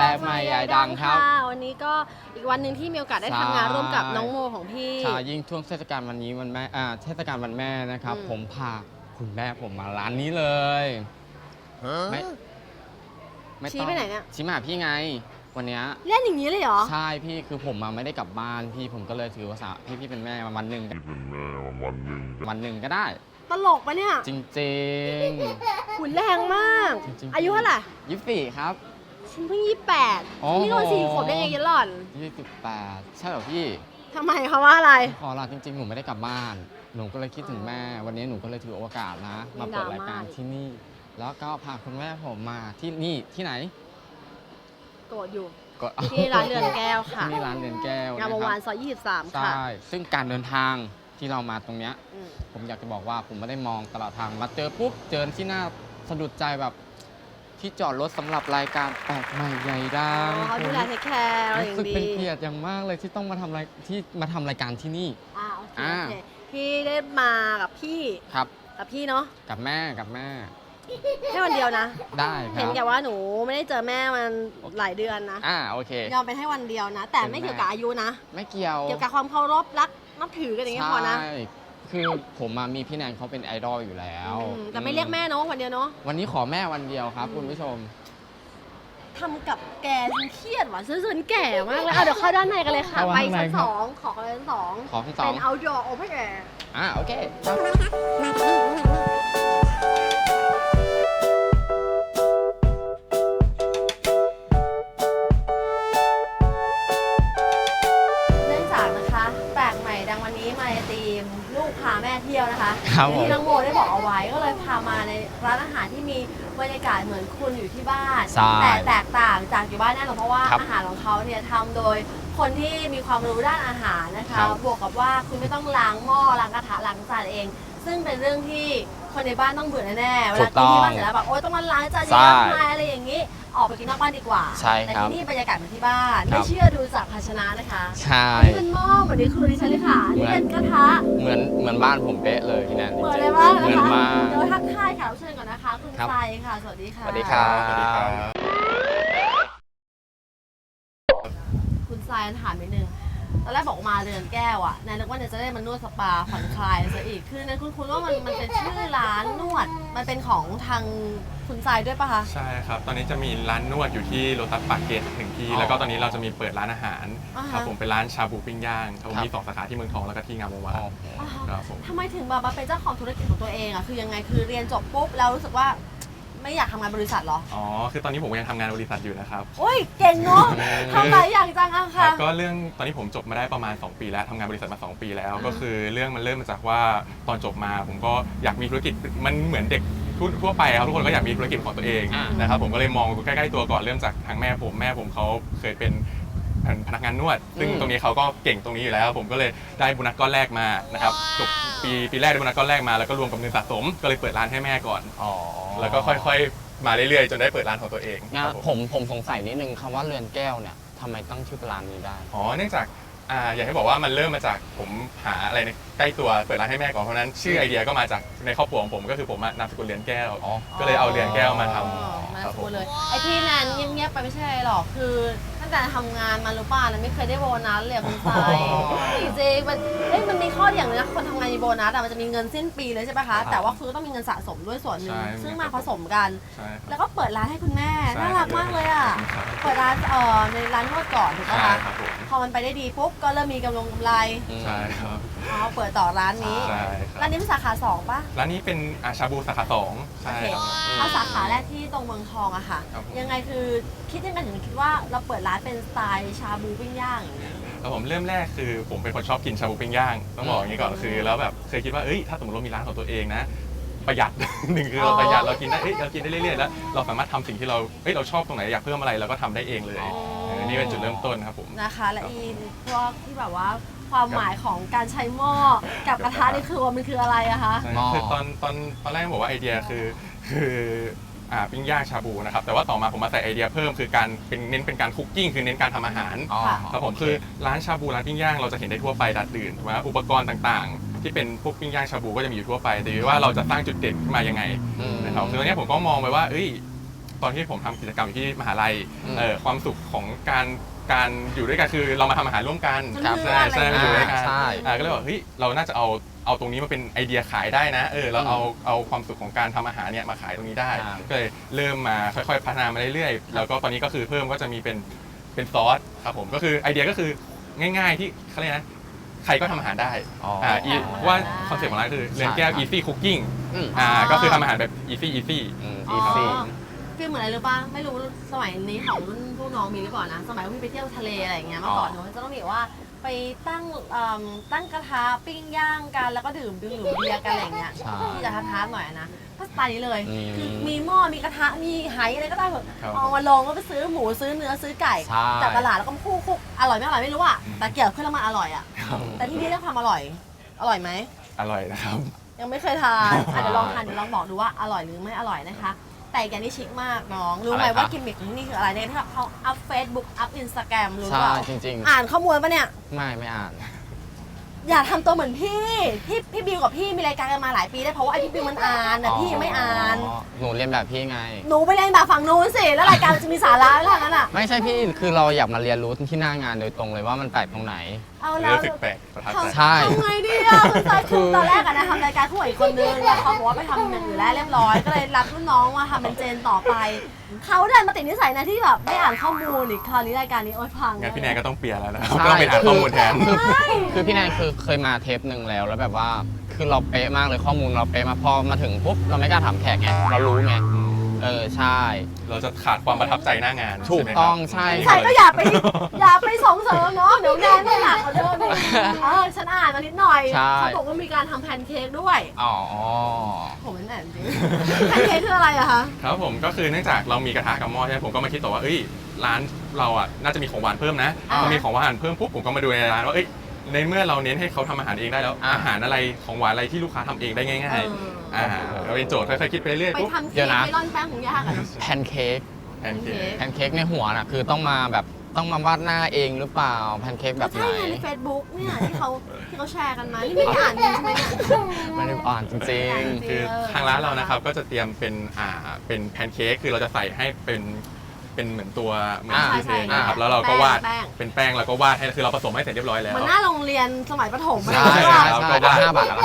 ลกใหม่ใหญ่ดังครับวันนี้ก็อีกวันหนึ่งที่มีโอกาสได้ทำงานร่วมกับน้องโมของพี่ใช่ยิ่งช่วงเทศกาลวันนี้วันแม่เทศกาลวันแม่นะครับผมพาคุณแม่ผมมาร้านนี้เลยไม่ชี้ไปไหนเนี่ยชี้มาพี่ไงวันนี้เล่นอย่างนี้เลยเหรอใช่พี่คือผมมาไม่ได้กลับบ้านพี่ผมก็เลยถือว่าพี่เป็นแม่วันหนึ่งก็ได้ตลกปะเนี่ยจริงๆหุ่นแรงมากอายุเท่าไหร่ 24ครับฉันเพิ่ง28นี่ก็4 ขวบได้ไงยันหล่อน 28ใช่เหรอพี่ทำไมเขาว่าอะไรขอลาจริงๆหนูไม่ได้กลับบ้านหนูก็เลยคิดถึงแม่วันนี้หนูก็เลยถือโอกาสนะมาเปิดรายการที่นี่แล้วก็พาคุณแม่ผมมาที่นี่ที่ไหนโกรธอยู่ที่ร้านเรือนแก้วค่ะที่ร้านเรือนแก้วงามวงศ์วานซอย23ค่ะใช่ซึ่งการเดินทางที่เรามาตรงเนี้ยผมอยากจะบอกว่าผมไม่ได้มองตลอดทางมาเจอปุ๊บเจอที่หน้าสะดุดใจแบบที่จอดรถสำหรับรายการแปลกใหม่ใหญ่ดังเขาดูแลเทคแคร์อะไรอย่างดีรู้สึกเป็นเกียรติอย่างมากเลยที่ต้องมาทำรายการที่นี่โอเคพี่ได้มากับพี่ครับกับพี่เนาะกับแม่แค่วันเดียวนะได้ครับเห็นแกว่าหนูไม่ได้เจอแม่มันหลายเดือนนะโอเคยอมไปให้วันเดียวนะแต่ไม่เกี่ยวกับอายุนะไม่เกี่ยวกับความเคารพรักนับถือกันอย่างเงี้ยพอนะคือผมมีพี่แนนเขาเป็นไอดอลอยู่แล้วแต่ไม่เรียกแม่เนาะวันเดียวเนาะวันนี้ขอแม่วันเดียวครับคุณผู้ชมทำกับแกฉันเครียดว่ะฉันแก่มากเลยเดี๋ยวเข้าด้านในกันเลยค่ะไปชั้น2ขอชั้น2เป็น outdoor open air โอเควันนี้มาในทีมลูกพาแม่เที่ยวนะคะที่น้องโมได้บอกเอาไว้ก็เลยพามาในร้านอาหารที่มีบรรยากาศเหมือนคุณอยู่ที่บ้านแต่แตกต่างจากอยู่บ้านแน่นอนเพราะว่าอาหารของเขาเนี่ยทำโดยคนที่มีความรู้ด้านอาหารนะคะบวกกับว่าคุณไม่ต้องล้างหม้อล้างกระทะล้างจานเองซึ่งเป็นเรื่องที่คนในบ้านต้องเบื่อแน่ๆเวลากินที่บ้านเสร็จแล้วแบบโอ๊ยต้องมาล้างจานเยอะมากอะไรอย่างนี้ออกไปกินนอกบ้านดีกว่าแต่ที่นี่บรรยากาศเหมือนที่บ้านไม่เชื่อดูจากภาชนะนะคะใช่นี่เป็นหม้อเหมือนที่ครูดิฉันเลยค่ะนี่เป็นกระทะเหมือนบ้านผมเป๊ะเลยที่นั่นเหมือนเลยว่าเหมือนมากเดี๋ยวทักทายค่ะเชิญก่อนนะคะคุณไซค่ะสวัสดีค่ะสวัสดีครับคุณไซถามนิดนึงตอนแรกบอกมาเรือนแก้วอ่ะนายนึกว่าเนี่ยจะได้มานวดสปาผ่อนคลายซะอีกคือนั้นคุณว่ามันเป็นชื่อร้านนวดมันเป็นของทางคุณไซด้วยปะคะใช่ครับตอนนี้จะมีร้านนวดอยู่ที่โลตัสปากเกร็ด1 ที่แล้วก็ตอนนี้เราจะมีเปิดร้านอาหารครับผมเป็นร้านชาบูปิ้งย่างครับผมมี2 สาขาที่เมืองทองแล้วก็ที่งามวงศ์วานครับผมทำไมถึงมาเป็นเจ้าของธุรกิจของตัวเองอ่ะคือยังไงคือเรียนจบปุ๊บแล้วรู้สึกว่าไม่อยากทำงานบริษัทหรอคือตอนนี้ผมยังทำงานบริษัทอยู่นะครับโอ้ยเก่งเนาะทำหลายอย่างจังอะค่ะก็เรื่องตอนนี้ผมจบมาได้ประมาณ2 ปีแล้วทำงานบริษัทมา2 ปีแล้วก็คือเรื่องมันเริ่มมาจากว่าตอนจบมาผมก็อยากมีธุรกิจมันเหมือนเด็กทั่วไปครับทุกคนก็อยากมีธุรกิจของตัวเองนะครับผมก็เลยมองใกล้ๆตัวก่อนเริ่มจากทางแม่ผมเขาเคยเป็นพนักงานนวดซึ่งตรงนี้เขาก็เก่งตรงนี้อยู่แล้วผมก็เลยได้โบนัสก้อนแรกมานะครับจบปีแรกได้โบนัสก้อนแรกมาแล้วก็รวมกับเงินสะสมก็เลยเปิดร้านให้แม่ก่อนแล้วก็ค่อยๆมาเรื่อยๆจนได้เปิดร้านของตัวเองผมสงสัยนิดนึงคำว่าเรือนแก้วเนี่ยทำไมตั้งชื่อร้านนี้ได้เนื่องจากอยากให้บอกว่ามันเริ่มมาจากผมหาอะไรในใกล้ตัวเปิดร้านให้แม่ก่อนเพราะนั้นชื่อไอเดียก็มาจากในครอบครัวของผมก็คือผมนามสกุลเรือนแก้วก็เลยเอาเรือนแก้วมาทำนามสกุลเลยไอที่นั่นเงียบๆไปไม่ใช่หรอกคือตั้งแต่ทำงานมาหรือเปล่าไม่เคยได้โบนัสเลยคุณไซจริงๆมันมีข้ออย่างนึงนะคนทำงานมีโบนัสมันจะมีเงินสิ้นปีเลยใช่ไหมคะแต่ว่าคือต้องมีเงินสะสมด้วยส่วนหนึ่งซึ่งมาผสมกันแล้วก็เปิดร้านให้คุณแม่น่ารักมากเลยอ่ะเปิดร้านในร้านนวดก่อนถูกไหมคะพอมันไปได้ดีปุ๊บก็เริ่มมีกำไรใช่ครับเปิดต่อร้านนี้ร้านนี้เป็นสาขา2ป่ะร้านนี้เป็นชาบูสาขา2ใช่ครับสาขาแรกที่ตรงเมืองทองอะค่ะยังไงคือคิดยังไงถึงคิดว่าเราเปิดร้านเป็นสไตล์ชาบูปิ้งย่างอย่างนี้ผมเริ่มแรกคือผมเป็นคนชอบกินชาบูปิ้งย่างต้องบอกอย่างนี้ก่อนคือแล้วแบบเคยคิดว่าถ้าสมมติเรามีร้านของตัวเองนะประหยัดหนึ่งคือเราประหยัดเรากินได้เรากินได้เรื่อยๆแล้วเราสามารถทำสิ่งที่เราชอบตรงไหนอยากเพิ่มอะไรเราก็ทำได้เองเลยนี่เป็นจุดเริ่มต้นครับผมนะคะและพวกที่แบบว่าความหมายของการใช้หม้อกับกระทะนี่คือว่ามันคืออะไรอะคะคือตอนแรกบอกว่าไอเดียคือปิ้งย่างชาบูนะครับแต่ว่าต่อมาผมมาใส่ไอเดียเพิ่มคือการเน้นเป็นการคุกกิ้งคือเน้นการทำอาหารครับผมคือร้านชาบูร้านปิ้งย่างเราจะเห็นได้ทั่วไปดัดดื่นถูกไหมอุปกรณ์ต่างๆที่เป็นพวกปิ้งย่างชาบูก็จะมีอยู่ทั่วไปแต่ว่าเราจะสร้างจุดเด่นขึ้นมายังไงนะครับคือตอนนี้ผมก็มองไปว่าตตอนที่ผมทำกิจกรรมอยู่ที่มหาลัยความสุขของการอยู่ด้วยกันคือเรามาทำอาหารร่วมกันใช่มาอยู่ด้วยกันก็เลยบอกเฮ้ยเราน่าจะเอาตรงนี้มาเป็นไอเดียขายได้นะเราเอาความสุขของการทำอาหารเนี่ยมาขายตรงนี้ได้ก็เลยเริ่มมาค่อยๆพัฒนามาเรื่อยๆแล้วก็ตอนนี้ก็คือเพิ่มก็จะมีเป็นซอสครับผมก็คือไอเดียก็คือง่ายๆที่เขาเรียกนะใครก็ทำอาหารได้ว่าคอนเซ็ปต์ของร้านคือเรือนแก้ว easy cooking ก็คือทำอาหารแบบ easy คือเหมือนอะไรรู้ป่ะไม่รู้สมัยนี้ของรุ่นพวกน้องมีหรือเปล่านะสมัยพี่ไปเที่ยวทะเลอะไรอย่างเงี้ยเมื่อก่อนจะต้องมีว่าไปตั้งกระทะปิ้งย่างกันแล้วก็ดื่มเบียร์กันอะไรอย่างเงี้ยที่จะท้าๆหน่อยนะก็สไตล์นี้เลยคือมีหม้อมีกระทะมีไหอะไรก็ได้เถอะเอามาลงก็ไปซื้อหมูซื้อเนื้อซื้อไก่จากตลาดแล้วก็คุกอร่อยไม่อร่อยไม่รู้อ่ะแต่เกี่ยวเพื่อแล้วมันอร่อยอ่ะแต่ที่นี่เรื่องความอร่อยไหมอร่อยนะครับยังไม่เคยทานเดี๋ยวลองทานเดี๋ยวลองบอกดูว่าอร่อยหรือไม่อร่อยนะคะแต่แกนี่ชิคมากน้องรู้ไหมว่ากิมมิคของที่นี่คืออะไรเนี่ยที่เขาอัพเฟซบุ๊กอัพอินสตาแกรมรู้เปล่าจริงๆอ่านข้อมูลปะเนี่ยไม่อ่านอย่าทำตัวเหมือนพี่บิวกับพี่มีรายการกันมาหลายปีได้เพราะว่าไอพี่บิวมันอ่านแต่พี่ยังไม่อ่านหนูเรียนแบบพี่ไงหนูไปเรียนแบบฝั่งนู้นสิแล้วรายการจะมีสาระอะไรนั้นอ่ะไม่ใช่พี่คือเราอยากมาเรียนรู้ที่หน้างานโดยตรงเลยว่ามันแปลกตรงไหนเอาแล้วรู้สึกแปลกประทับใจใช่ทำไงดีอ่ะคือตอนแรกอะนะทำรายการคู่กับอีกคนนึงแล้วเขาบอกว่าไปทำอย่างอื่นแล้วเรียบร้อยก็เลยรับรุ่นน้องมาทำเป็นเจนต่อไปเขาเดินมาติดนิสัยนะที่แบบไม่อ่านข้อมูลอีกคราวนี้รายการนี้โอ๊ยพังงั้นพี่แนนก็ต้องเปลี่ยนแล้วนะครับต้องไปอ่านข้อมูลแทนคือพี่แนนคือเคยมาเทปหนึ่งแล้วแบบว่าคือเราเป๊ะมากเลยข้อมูลเราเป๊ะมาพอมาถึงปุ๊บเราไม่กล้าถามแขกไงเรารู้ไงใช่เราจะขาดความประทับใจหน้างานถูกต้องใช่ก็อย่าไปส่งเสริมเนาะเดี๋ยวแนนไม่หนักกว่าเดิมฉันอ่านมานิดหน่อยเขาบอกว่ามีการทำแพนเค้กด้วยผมเป็นแอนจริงแพนเค้กคืออะไรอะคะครับผมก็คือเนื่องจากเรามีกระทะกับหม้อใช่ไหมผมก็มาคิดต่อว่าร้านเราอ่ะน่าจะมีของหวานเพิ่มนะพอมีของหวานเพิ่มปุ๊บผมก็มาดูในร้านว่าในเมื่อเราเน้นให้เขาทำอาหารเองได้แล้วอาหารอะไรของหวานอะไรที่ลูกค้าทำเองได้ง่ายๆเราเป็นโจทย์ค่อยๆคิดไปเรื่อยๆไปทำเค้กไปร่อนแป้งของยากอะแพนเค้กในหัวน่ะคือต้องมาวาดหน้าเองหรือเปล่าแพนเค้กแบบไหนใช่ใน Facebook เนี่ยที่เขาแชร์กันมานี่ไม่ได้อ่านจริงใช่ไหมไม่ได้อ่านจริงๆคือทางร้านเรานะครับก็จะเตรียมเป็นแพนเค้กคือเราจะใส่ให้เป็นเหมือนตัวเหมือนที่เทนะครับแล้วเราก็วาดเป็นแป้งแล้วก็วาดให้คือเราผสมให้เสร็จเรียบร้อยแล้วมันหน้าโรงเรียนสมัยประถมใช่ก็วาด5 บาท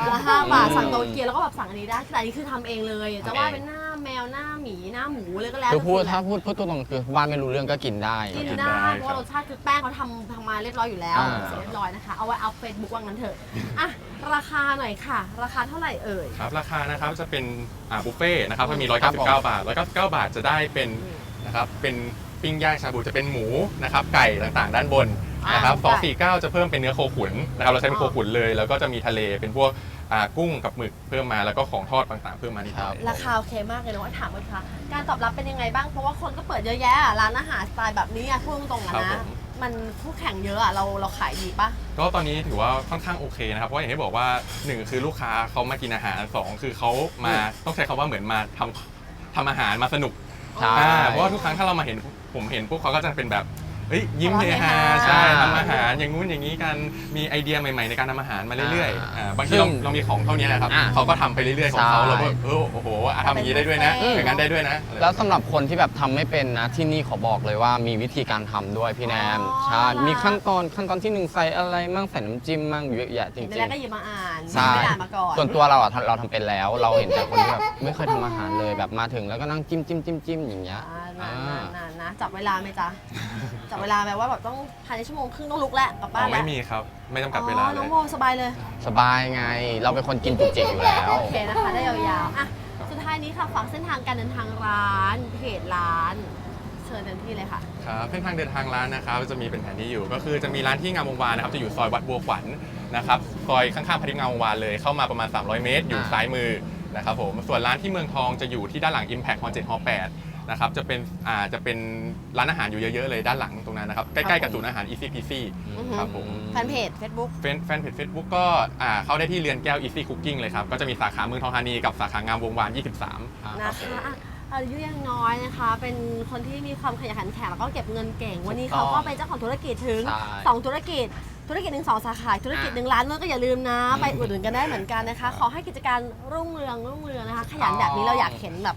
5 บาทสั่งโตเกียวแล้วก็แบบสั่งอันนี้ได้แต่อันนี้คือทำเองเลยจะวาดเป็นหน้าแมวหน้าหมีหน้าหมูเลยก็แล้วคือถ้าพูดตัวตรงคือวาดไม่รู้เรื่องก็กินได้เพราะรสชาติคือแป้งเขาทำมาเรียบร้อยอยู่แล้วเสร็จเรียบร้อยนะคะเอาไว้อัพเฟซบุ๊กว่างั้นเถอะราคาหน่อยค่ะราคาเท่าไหร่เอ่ยครับราคานะครับจะเป็นบุฟเฟ่นะครับก็มี199 บาท199 บาทจะได้เป็นนะครับเป็นปิ้งย่างชาบูจะเป็นหมูนะครับไก่ต่างๆด้านบนนะครับ249จะเพิ่มเป็นเนื้อโคขุนนะครับเราใช้เป็นโคขุนเลยแล้วก็จะมีทะเลเป็นพวกกุ้งกับหมึกเพิ่มมาแล้วก็ของทอดต่างๆเพิ่มมานิดหน่อยราคาโอเคมากเลยน้องถามเลยค่ะการตอบรับเป็นยังไงบ้างเพราะว่าคนก็เปิดเยอะแยะร้านอาหารสไตล์แบบนี้พูดตรงๆนะมันคู่แข่งเยอะเราขายดีปะก็ตอนนี้ถือว่าค่อนข้างโอเคนะครับเพราะอย่างที่บอกว่า1คือลูกค้าเขามากินอาหาร2คือเขามาต้องใช้คำว่าเหมือนมาทำอาหารมาสนุกเพราะว่าทุกครั้งถ้าเรามาผมเห็นพวกเขาก็จะเป็นแบบยิ้มเฮฮาใช่ทำอาหารอย่างงู้นอย่างนี้กันมีไอเดียใหม่ๆในการทำอาหารมาเรื่อยๆบางทีเรามีของเท่านี้นะครับเขาก็ทำไปเรื่อยๆของเขาเราก็โอ้โหทำอย่างนี้ได้ด้วยนะอย่างนั้นได้ด้วยนะแล้วสำหรับคนที่แบบทำไม่เป็นนะที่นี่ขอบอกเลยว่ามีวิธีการทำด้วยพี่แนนใช่มีขั้นตอนที่1ใส่อะไรมั่งใส่น้ำจิ้มมั่งเยอะแยะจริงๆแล้วก็หยิบมาอ่านไม่อ่านมาก่อนส่วนตัวเราทำเป็นแล้วเราเห็นแต่คนที่แบบไม่เคยทำอาหารเลยแบบมาถึงแล้วก็นั่งจิ้มอย่างเงี้ยนะจับเวลาไหมจ๊ะจับเวลาไหมว่าแบบต้องภายใน1 ชั่วโมงครึ่งต้องลุกแล้วกลับบ้านแล้วไม่มีครับไม่จำกัดเวลาเลยน้องโมสบายเลยสบายไงเราเป็นคนกินจุกจิกอยู่แล้วโอเคนะคะได้ยาวๆสุดท้ายนี้ค่ะฝากเส้นทางการเดินทางร้านเพจร้านเชิญเดินที่เลยค่ะครับเส้นทางเดินทางร้านนะครับจะมีเป็นแผนที่อยู่ก็คือจะมีร้านที่งามวงวานนะครับจะอยู่ซอยวัดบัวขวัญนะครับซอยข้างๆพาริงามวงวานเลยเข้ามาประมาณ300 เมตรอยู่ซ้ายมือนะครับผมส่วนร้านที่เมืองทองจะอยู่ที่ด้านหลัง Impact Hall 7 Hall 8นะครับจะเป็นร้านอาหารอยู่เยอะๆเลยด้านหลังตรงนั้นนะครับใกล้ๆกับศูนย์อาหาร Easy Peasy ครับผมแฟนเพจ Facebook แฟนเพจ Facebook ก็เข้าได้ที่เรือนแก้ว Easy Cooking เลยครับก็จะมีสาขาเมืองทองธานีกับสาขางามวงวาน23 นะคะอายุยังน้อยนะคะเป็นคนที่มีความขยันขันแข็งแล้วก็เก็บเงินเก่งวันนี้เขาก็เป็นเจ้าของธุรกิจถึง2 ธุรกิจ1 2 สาขาธุรกิจ1 ล้านเมื่อก็อย่าลืมนะไปอุดหนุนกันได้เหมือนกันนะคะขอให้กิจการรุ่งเรืองนะคะขยันแบบนี้เราอยากเห็นแบบ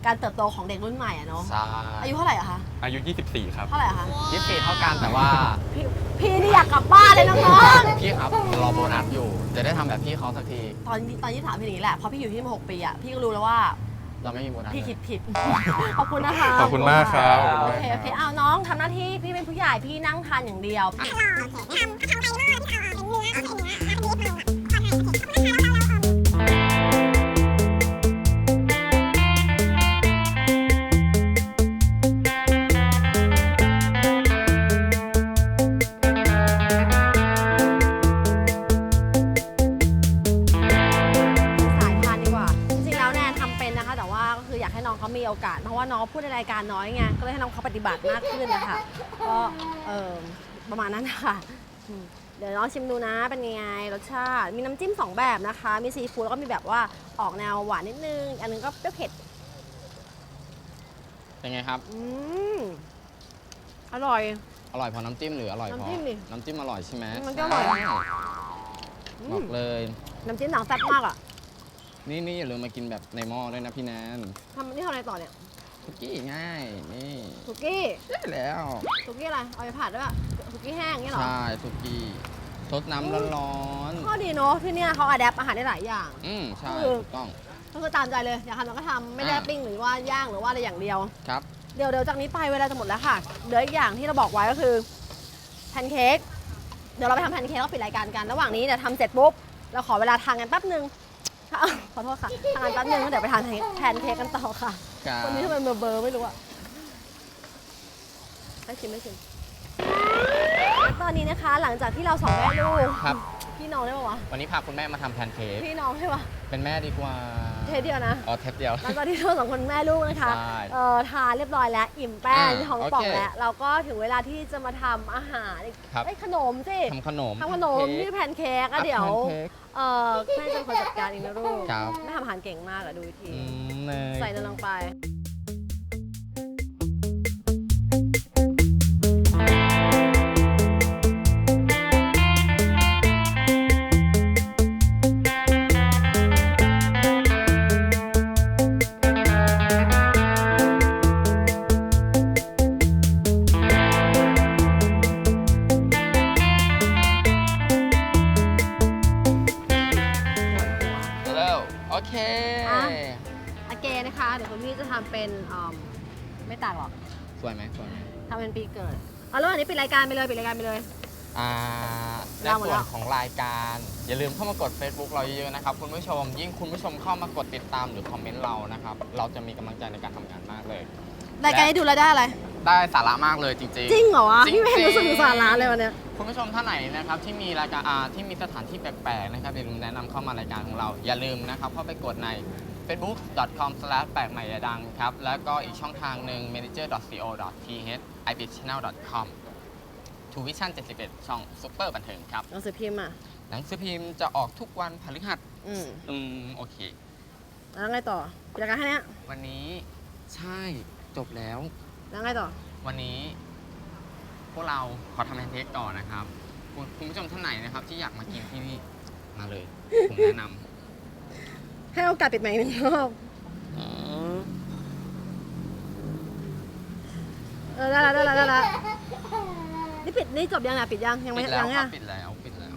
การเติบโตของเด็กรุ่นใหม่อะเนาะใช่อายุเท่าไหร่อะคะอายุ 24 ครับเท่าไหร่อะคะ 24เท่ากันแต่ว่าพี่นี่อยากกลับบ้านเลยน้องพี่ครับรอโบนัสอยู่ จะได้ทำแบบพี่เขาสักทีๆตอนที่ถามพี่อย่างนี้แหละเพราะพี่อยู่ที่มา6 ปีอะพี่ก็รู้แล้วว่าเราไม่มีโบนัสพี่เลยคิดผิด ขอบคุณนะคะขอบคุณมากครับโอเคโอเคเอาน้องทำหน้าที่พี่เป็นผู้ใหญ่พี่นั่งทานอย่างเดียว สายทานดีกว่า จริงๆ แล้วแนนทำเป็นนะคะ แต่ว่าก็คืออยากให้น้องเขามีโอกาส เพราะว่าน้องพูดในรายการน้อยไง ก็เลยให้น้องเขาปฏิบัติมากขึ้นนะคะ ก็ประมาณนั้นนะคะเดี๋ยวน้องชิมดูนะ เป็นยังไงรสชาติ มีน้ำจิ้ม2 แบบนะคะ มีซีฟู้ดแล้วก็มีแบบว่าออกแนวหวานนิดนึง อันนึงก็เปรี้ยวเผ็ดเป็นไงครับอร่อยอร่อยเพราะน้ำจิ้มหรืออร่อยเพราะน้ำจิ้มดิน้ำจิ้มอร่อยใช่ไหมมันก็อร่อยใช่บอกเลยน้ำจิ้มหนังแซ่บมากอ่ะนี่อย่าลืมมากินแบบในหม้อด้วยนะพี่แนนนี่ทำอะไรต่อเนี่ยสุกี้ง่ายนี่สุกี้ได้แล้วสุกี้อะไร เอาไปผัดด้วยป่ะสุกี้แห้งอย่างเงี้ยเหรอใช่สุกี้ซดน้ำร้อนข้อดีเนาะที่เนี่ยเขาอัดแอปอาหารได้หลายอย่างใช่คือถูกต้องก็คือตามใจเลย อยากทำเราก็ทำไม่ได้ปิ้งหรือว่าย่างหรือว่าอะไรอย่างเดียวครับเดี๋ยวจากนี้ไปเวลาจะหมดแล้วค่ะเหลืออีกอย่างที่เราบอกไว้ก็คือแพนเค้กเดี๋ยวเราไปทำแพนเค้กแล้วปิดรายการกันระหว่างนี้เดี๋ยวทำเสร็จปุ๊บเราขอเวลาทานกันแป๊บนึงขอโทษค่ะทานกันแป๊บนึงแล้วเดี๋ยวไปทานแพนเค้กกันต่อค่ะครับวันนี้ทำไมเบอร์ไม่รู้อะไม่ชิมตอนนี้นะคะ หลังจากที่เราสองแม่ลูกครับพี่น้องได้ปะวะวันนี้พาคุณแม่มาทำแพนเค้กพี่น้องใช่ปะเป็นแม่ดีกว่าเทเดียวนะอ๋อเทปเดียวหลังจากที่เราสองคนแม่ลูกนะคะใช่ทานเรียบร้อยแล้ว อิ่มแป้งอ่าท้องป่องโอเคแล้ว เราก็ถึงเวลาที่จะมาทำอาหารครับขนมสิทำขนมทำขนมที่แพนเค้กอะเดี๋ยวแพนเค้กแม่จะเป็นคนจัดการเองนะลูกครับแม่ทำอาหารเก่งมากอะดูวิธีเนยใส่เนยลงไปเร็วโอเคอ่ะ โอเคนะคะ เดี๋ยวคุณพี่จะทำเป็นไม่ต่างหรอกสวยไหมทำเป็นปีเกิดเอาแล้วอันนี้ปิดรายการไปเลยในเราหมดส่แล้ววนของรายการ อย่าลืมเข้ามากด Facebook เราเยอะๆนะครับคุณผู้ชม ยิ่งคุณผู้ชมเข้ามากดติดตามหรือคอมเมนต์เรานะครับ เราจะมีกำลังใจในการทำงานมากเลยรายการนี้ดูแล้วได้อะไรได้สาระมากเลยจริงจริงเหรอวะจริงพี่ไม่เห็นๆรู้สึกถึงสาระเลยวันเนี้ยคุณผู้ชมท่านไหนนะครับที่มีรายการที่มีสถานที่แปลกๆนะครับอย่าลืมแนะนำเข้ามารายการของเรา อย่าลืมนะครับเข้าไปกดใน facebook.com/ แปลกใหม่อย่าดังครับ แล้วก็อีกช่องทางหนึ่ง manager.co.th ibitchannel.com Tuvision 71 ช่องซุปเปอร์บันเทิงครับหนังสือพิมพ์อ่ะหนังสือพิมพ์จะออกทุกวันพฤหัส โอเคแล้วไงต่อปิดรายการแค่เนี้ยวันนี้ใช่จบแล้วแล้วไงต่อวันนี้พวกเราขอทำแพนเค้กต่อนะครับ คุณผู้ชมท่านไหนนะครับ ที่อยากมากินที่นี่มาเลย ผมแนะนำให้โอกาสปิดใหม่อีกหนึ่งรอบได้ละนี่ปิดนี่จบยังอ่ะปิดยังยังไม่ปิดแล้วยังครัอ่ะบปิดแล้ว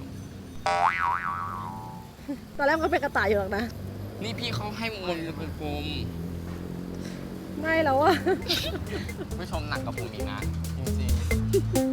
ตอนแรกมันก็เป็นกระต่ายอยู่หรอกนะนี่พี่เขาให้วงกลมไม่แล้วอ่ะๆผู้ชมหนักกับผมอีกนะ จริงๆ